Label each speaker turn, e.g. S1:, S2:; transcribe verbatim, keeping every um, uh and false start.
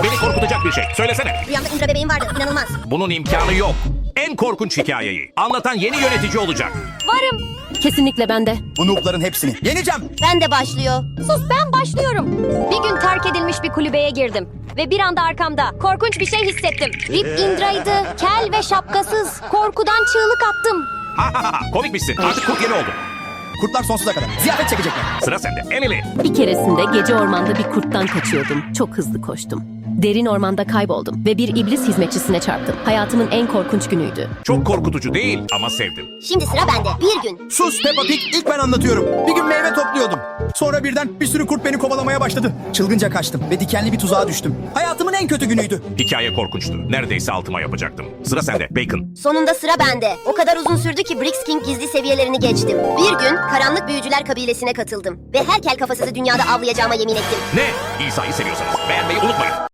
S1: Beni korkutacak bir şey. Söylesene.
S2: Rüyamda Indra bebeğim vardı. İnanılmaz.
S1: Bunun imkanı yok. En korkunç hikayeyi anlatan yeni yönetici olacak.
S2: Varım.
S3: Kesinlikle bende.
S4: Bu noob'ların hepsini yeneceğim.
S2: Ben de başlıyor. Sus, ben başlıyorum. Bir gün terk edilmiş bir kulübeye girdim. Ve bir anda arkamda korkunç bir şey hissettim. Rip Indra'ydı. Kel ve şapkasız. Korkudan çığlık attım.
S1: Ha ha ha. Komikmişsin. Artık kurt yeni oldun.
S4: Kurtlar sonsuza kadar. Ziyafet çekecekler.
S1: Sıra sende. Emily.
S3: Bir keresinde gece ormanda bir kurttan kaçıyordum. Çok hızlı koştum. Derin ormanda kayboldum ve bir iblis hizmetçisine çarptım. Hayatımın en korkunç günüydü.
S1: Çok korkutucu değil ama sevdim.
S2: Şimdi sıra bende. Bir gün.
S4: Sus Peppa Pig, ilk ben anlatıyorum. Bir gün meyve topluyordum. Sonra birden bir sürü kurt beni kovalamaya başladı. Çılgınca kaçtım ve dikenli bir tuzağa düştüm. Hayatımın en kötü günüydü.
S1: Hikaye korkunçtu. Neredeyse altıma yapacaktım. Sıra sende. Bacon.
S2: Sonunda sıra bende. O kadar uzun sürdü ki Brix King gizli seviyelerini geçtim. Bir gün karanlık büyücüler kabilesine katıldım. Ve her kel kafasızı dünyada avlayacağıma yemin ettim.
S1: Ne? İsa'yı seviyorsanız beğenmeyi unutmayın.